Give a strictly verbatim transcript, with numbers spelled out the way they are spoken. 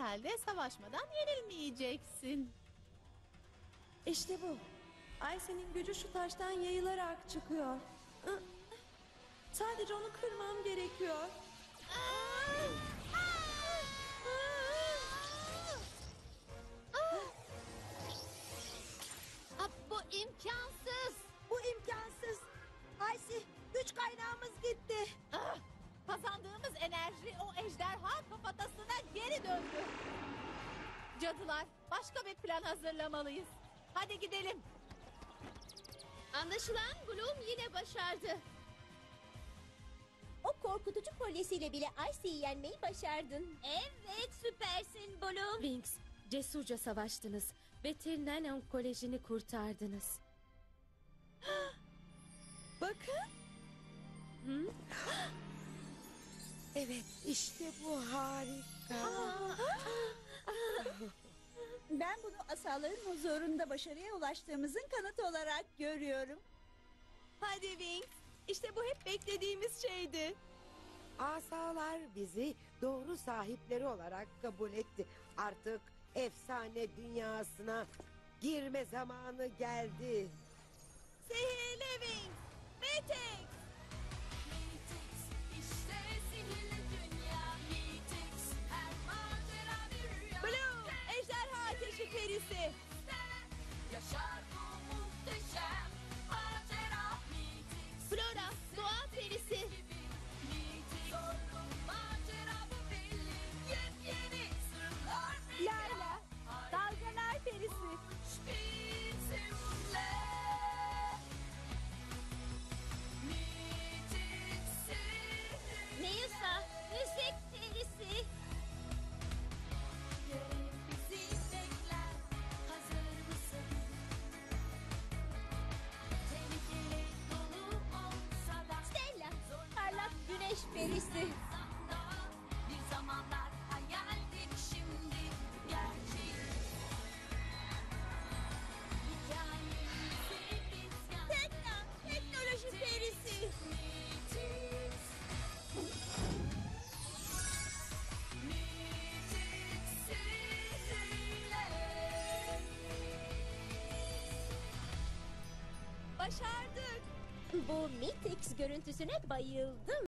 halde savaşmadan yenilmeyeceksin. İşte bu. Ayşe'nin gücü şu taştan yayılarak çıkıyor. Ih, Sadece onu kırmam gerekiyor. Ah, bu imkansız. Bu imkansız. Aysi, güç kaynağımız gitti. Ah, kazandığımız enerji o ejderha kafatasına geri döndü. Cadılar, başka bir plan hazırlamalıyız. Hadi gidelim. Anlaşılan Bloom yine başardı. O korkutucu kolyesiyle bile Icy'yi yenmeyi başardın. Evet, süpersin Bloom. Wings, cesurca savaştınız ve Tirnanon Koleji'ni kurtardınız. Bakın. Evet, işte bu harika. Ben bunu asaların huzurunda başarıya ulaştığımızın kanıtı olarak görüyorum. Hadi Wings, işte bu hep beklediğimiz şeydi. Asalar bizi doğru sahipleri olarak kabul etti. Artık efsane dünyasına girme zamanı geldi. Sihirli Wings, Matrix. İşte sihirli dünya Matrix, her macera bir rüya. Bloom, ejderha ateşi perisi. Yaşar bu muhteşem macera Matrix. Flora, doğa perisi. Matrix, zorlu macera bu belli. Yepyeni sırlar bir Layla, dalgalar perisi. bizimle. Matrix sihirli. Neysa, müzik perisi. Görev bizi bekler. Hazır mısın? Tehlikeli dolu olsa da Stella, Parlak güneş perisi. zamanda bir zamanlar hayaldik, şimdi gerçek. Hikayemizi biz yazdık. Tekna, teknoloji perisi. Matrix. Matrix sihirle. Başardık. Bu Matrix görüntüsüne bayıldım.